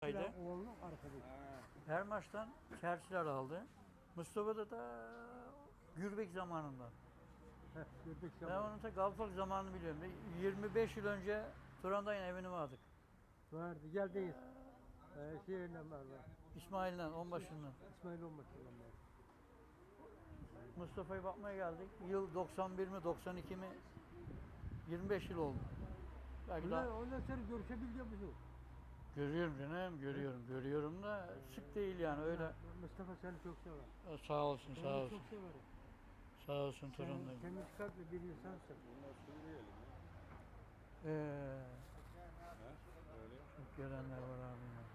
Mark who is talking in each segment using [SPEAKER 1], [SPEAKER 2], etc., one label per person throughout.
[SPEAKER 1] Oğlunun arkadaşı.
[SPEAKER 2] Her maçtan Çerçiler aldı. Mustafa'da da Gürbek zamanından.
[SPEAKER 1] Gördük
[SPEAKER 2] Ben
[SPEAKER 1] zaman.
[SPEAKER 2] onun da Galatasaray zamanını biliyorum. 25 yıl önce Turan'dayın evini vardık.
[SPEAKER 1] Vardı. Geldeyiz. Şeyle var.
[SPEAKER 2] İsmail'le, onbaşından.
[SPEAKER 1] İsmail olmasın onlar.
[SPEAKER 2] Mustafa'ya bakmaya geldik. Yıl 91 mi, 92 mi? 25 yıl oldu. Belki daha...
[SPEAKER 1] Ondan sonra görüşebiliyor musun?
[SPEAKER 2] Görüyorum canım, görüyorum da sık değil yani öyle.
[SPEAKER 1] Mustafa seni çok sever.
[SPEAKER 2] Sağ olsun,
[SPEAKER 1] Seni
[SPEAKER 2] sağ olsun.
[SPEAKER 1] çok severim.
[SPEAKER 2] Sağ olsun Turan'dayım.
[SPEAKER 1] Temiz kalpli bir insansın.
[SPEAKER 2] Çok görenler var abi ya.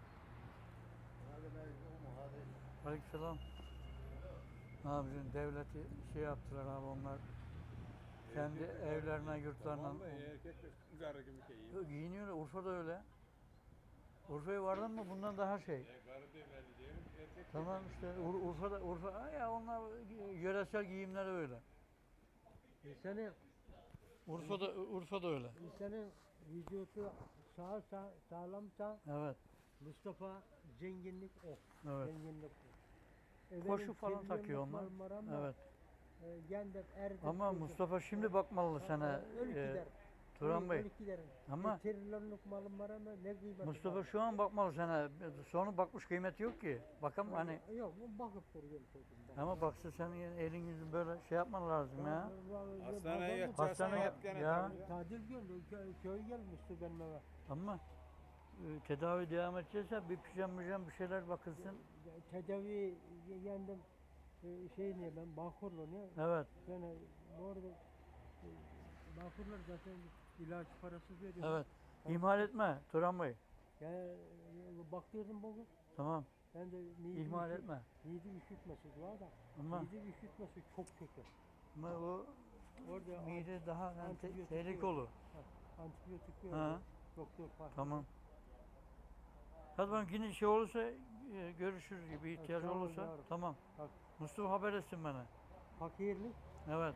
[SPEAKER 2] Aleykümselam. Ne yapacaksın? Devleti şey yaptılar abi onlar. Kendi evlerine, yurtlarına.
[SPEAKER 3] Erkek garı gibi giyiyor.
[SPEAKER 2] Giyiniyorlar. Urfa'da öyle. Urfa'ya vardın mı bundan daha şey.
[SPEAKER 3] Garı diye belli diyelim. Erkek
[SPEAKER 2] Tamam işte Urfa ya onlar yöresel giyimleri öyle.
[SPEAKER 1] İnsanın,
[SPEAKER 2] Urfa'da öyle.
[SPEAKER 1] insanın vücudu sağlamsa
[SPEAKER 2] Evet.
[SPEAKER 1] Mustafa zenginlik o.
[SPEAKER 2] Evet.
[SPEAKER 1] Zenginlik o.
[SPEAKER 2] Koşu falan takıyor onlar. Evet. Ama Mustafa şimdi bakmalı sana.
[SPEAKER 1] Ölü gider.
[SPEAKER 2] Turan Bey.
[SPEAKER 1] Ölü gider.
[SPEAKER 2] Ama
[SPEAKER 1] Trilyonluk malım var ama ne kıymeti
[SPEAKER 2] Mustafa
[SPEAKER 1] var?
[SPEAKER 2] şu an bakmalı sana. Sonra bakmış kıymeti yok ki. Bakalım hani.
[SPEAKER 1] Yok bu bakıp duruyor çocuğum.
[SPEAKER 2] Ama baksa senin elin yüzün böyle şey yapman lazım ya.
[SPEAKER 3] Hastaneye yatacaksan
[SPEAKER 2] Hastaneye
[SPEAKER 3] yat gene.
[SPEAKER 2] ya.
[SPEAKER 1] Tatil gördü. Köy gelmişti benim eve.
[SPEAKER 2] Ama tedavi devam edecekse bir pijam bir şeyler bakılsın.
[SPEAKER 1] Tedavi yendim. Şey niye ben Bağkurlu niye?
[SPEAKER 2] Evet.
[SPEAKER 1] Yani bu arada Bağkurlar zaten ilaç parasız veriyor.
[SPEAKER 2] Evet. İhmal etme Turan Bey.
[SPEAKER 1] Yani baktırdım bugün.
[SPEAKER 2] Tamam.
[SPEAKER 1] Ben de
[SPEAKER 2] İhmal etme.
[SPEAKER 1] mide üşütmesi var da.
[SPEAKER 2] Ama
[SPEAKER 1] Mide üşütmesi çok kötü.
[SPEAKER 2] o
[SPEAKER 1] Orada
[SPEAKER 2] mide daha
[SPEAKER 1] antibiyotik
[SPEAKER 2] tehlikeli
[SPEAKER 1] yok.
[SPEAKER 2] olur.
[SPEAKER 1] Antibiyotik
[SPEAKER 2] Ha.
[SPEAKER 1] veriyor. Doktor fark.
[SPEAKER 2] Tamam. Hadi ben yine şey olursa görüşürüz gibi ihtiyacı
[SPEAKER 1] Tamam,
[SPEAKER 2] olursa.
[SPEAKER 1] yavrum.
[SPEAKER 2] Tamam.
[SPEAKER 1] Bak,
[SPEAKER 2] Mustafa haber etsin bana.
[SPEAKER 1] fakirlik,
[SPEAKER 2] Evet.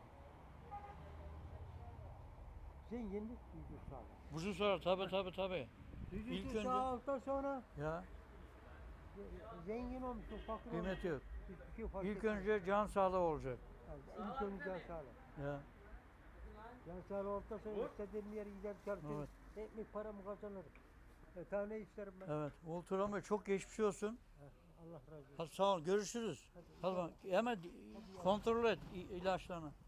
[SPEAKER 1] zenginlik, vücut sağlığı.
[SPEAKER 2] Buzu sorar tabi. İlk
[SPEAKER 1] Vücut
[SPEAKER 2] önce-
[SPEAKER 1] sağlıktan sonra
[SPEAKER 2] Ya
[SPEAKER 1] zengin olmuşsun, fakir
[SPEAKER 2] kıymeti yok.
[SPEAKER 1] olmuşsun. Hiçbir şey fark
[SPEAKER 2] İlk
[SPEAKER 1] etmez.
[SPEAKER 2] önce can sağlığı olacak.
[SPEAKER 1] Yani ilk önce can sağlığı.
[SPEAKER 2] Ya.
[SPEAKER 1] Can sağlığı olduktan sonra istediğim yere gider çalışırım.
[SPEAKER 2] Evet.
[SPEAKER 1] Ekmek paramı kazanırım. Tane isterim ben.
[SPEAKER 2] Evet. Turan Bey çok geçmiş olsun.
[SPEAKER 1] Allah razı olsun.
[SPEAKER 2] Hadi sağ ol. Görüşürüz. Hadi bak. Hemen kontrol et ilaçlarını.